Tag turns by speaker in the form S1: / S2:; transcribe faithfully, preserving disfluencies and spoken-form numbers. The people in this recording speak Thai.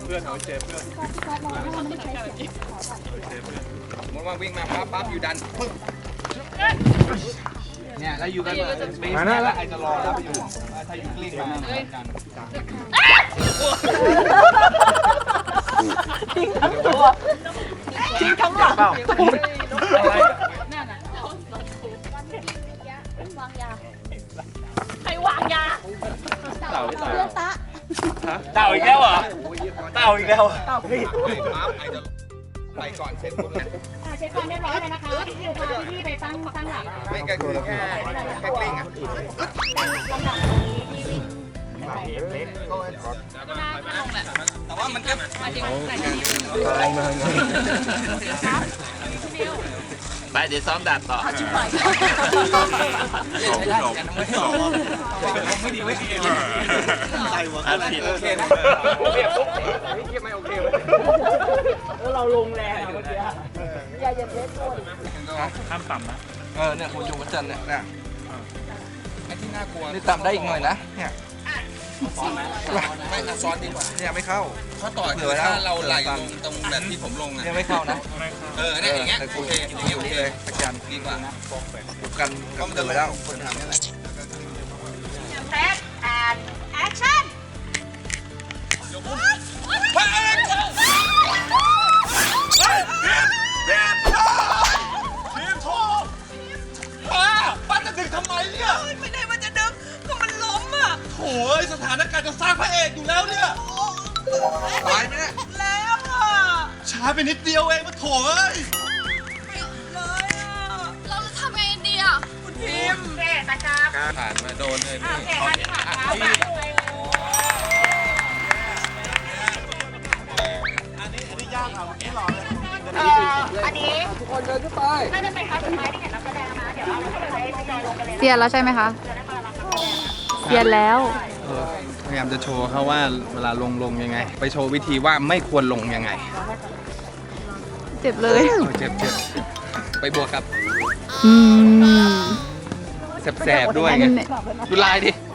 S1: พื่อนเอาเจเพื่อนมดว่าวิ่งมาปั๊บปั๊บอยู่ดันปึ๊บเนี่ยแล้วอยู่กันมาแล้วใครจะรอแล้วไปอยู่ถ้าอยู่กลิ้งมากัน
S2: ทิ้งทั้งตัวทิ้งทั้งหลังวางยาใครวางยาเต่าเพื่อนตะ
S3: เต่าอีกแล้วเหรอเต่าอีกแล้ว
S1: เต่าพี่ปั๊บไอ้จะไปก่อนเช็ดปุ๊บเนี่ย
S2: เช็ดก่อนเรียบร้อยเลยนะคะพี่พาพี่ไปตั้งตั้งหลัก
S1: ไม่ก็คือแค่แค่กลิ้งอ่ะ
S2: ลำดับนี้พี่วิ่ง
S1: แต่ว่ามันก็
S3: อะไรมาไปเดี๋ยวซ้อมดาบต่อ
S1: ไม่ดีไม่ดีใส่หัวอะไรโอเคนะเรียบปุ๊บเรียบไม่โอเคเลย
S2: แล้วเราลงแรงเมื่อกี้อย่าอย่าเทสโทษ
S3: ห้ามต่ำนะ
S1: เออเนี่ยคุณจุงวัจันเนี่ยเนี่ยไอ้ที่น่ากลัวนี่ต่ำได้อีกหน่อยนะเนี่ยไม่ซ้อนดีกว่าเนี่ยไม่เข้าข้อต่อคือถ้าเราไหลลงตรงแบบที่ผมลงอ่ะเนี่ยไม่เข้านะเออเนี่ยอย่างเงี้ยโอเคอย่างเงี้ยโอเคเลยอาจารย์ดีกว่าบุกกันก็มันจะไปแล้วคนทำนี่แหละ
S2: แท็กแอนแอคชั่น
S1: ป้าจะดึงทำไมเนี่ย
S4: ไม่ได้ว่าจะดึงก็มันล้มอ่ะ
S1: โถ่สถานการณ์จะสร้างพระเอกอยู่แล้วเนี่ยตายไหมเนี่ย
S4: แล้วอ่ะ
S1: ช้าไปนิดเดียวเองมาโถ่เอ้ย
S4: เลยอ่ะ
S5: เราจะทำไงดีอ่ะ
S4: คุณพิมพ์
S2: เจ๊ตาจ้า
S1: ผ่านมาโดนเลย
S2: โอเคค่ะที่ผ่านแล้ว
S1: อันนี้อันนี้ยากอ่ะไม่หล่อเลย
S2: อันนี้
S1: ทุกคนเดินขึ้นไป
S2: น่าจะเป็นครั้งสุดท้ายที่เห็นนักแสดงนะเดี๋ยวเราจะไปไปจอยลงกันเลย
S5: เซียนแล้วใช่ไหมคะเซียนแล้ว
S1: พยายามจะโชว์เขาว่าเวลาลงลงยังไงไปโชว์วิธีว่าไม่ควรลงยังไง
S5: เจ็บเลย
S1: เจ็บเจ็บไปบวกครับ
S5: อืม
S1: แสบๆด้วยไงดูลายดิ